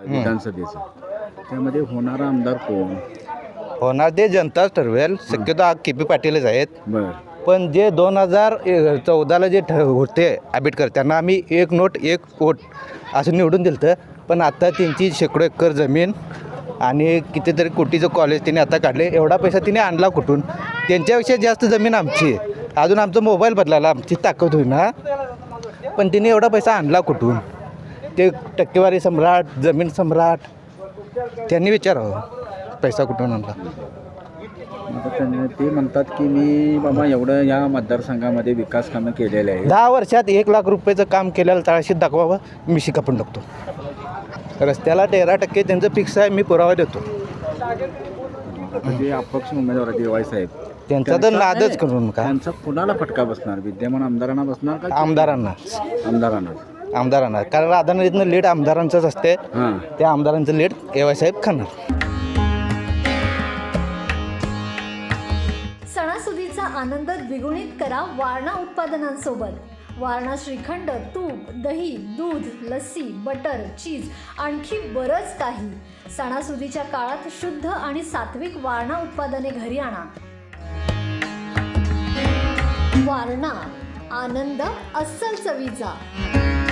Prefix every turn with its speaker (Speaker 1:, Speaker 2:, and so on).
Speaker 1: विधानसभेचं, त्यामध्ये होणारा आमदार कोण
Speaker 2: होणार ते जनताच ठरवेल. शक्यतो KP पाटीलच आहेत.
Speaker 1: बरं.
Speaker 2: पण जे 2014ला जे होते आंबेडकर, त्यांना आम्ही 1 नोट 1 वोट असं निवडून दिलं होतं. पण आता त्यांची शेकडो एकर जमीन आणि कितीतरी कोटीचं कॉलेज त्यांनी आता काढले. एवढा पैसा तिने आणला कुठून? त्यांच्यापेक्षा जास्त जमीन आमची आहे. अजून आमचा मोबाईल बदलायला आमची ताकद होईल ना. पण तिने एवढा पैसा आणला कुठून? ते टक्केवारी सम्राट, जमीन सम्राट, त्यांनी विचारावं पैसा कुठून आणला.
Speaker 1: ते म्हणतात की मी बाबा एवढं या मतदारसंघामध्ये विकास कामं केलेले आहे.
Speaker 2: 10 वर्षात 1 लाख रुपयाचं काम केलेलं तळाशीत दाखवावं, मी शिकापण टाकतो. रस्त्याला 13% त्यांचं फिक्स आहे, मी पुरावा देतो.
Speaker 1: जे अपक्ष उमेदवार DY साहेब,
Speaker 2: त्यांचा तर नादच करून का.
Speaker 1: त्यांचा कुणाला फटका बसणार? विद्यमान आमदारांना बसणार का?
Speaker 2: आमदारांना. कारण राधानगरीतनं लीड आमदारांचंच असते.
Speaker 1: हां,
Speaker 2: त्या आमदारांचं लीड DY साहेब खाणार.
Speaker 3: सणासुदीचा आनंद द्विगुणित करा वारणा उत्पादनांसोबत. वारणा श्रीखंड, तूप, दही, दूध, लस्सी, बटर, चीज, आणखी बरंच काही. सणासुदीच्या काळात शुद्ध आणि सात्विक वारणा उत्पादने घरी आणा. वारणा, आनंद अस्सल चवीचा.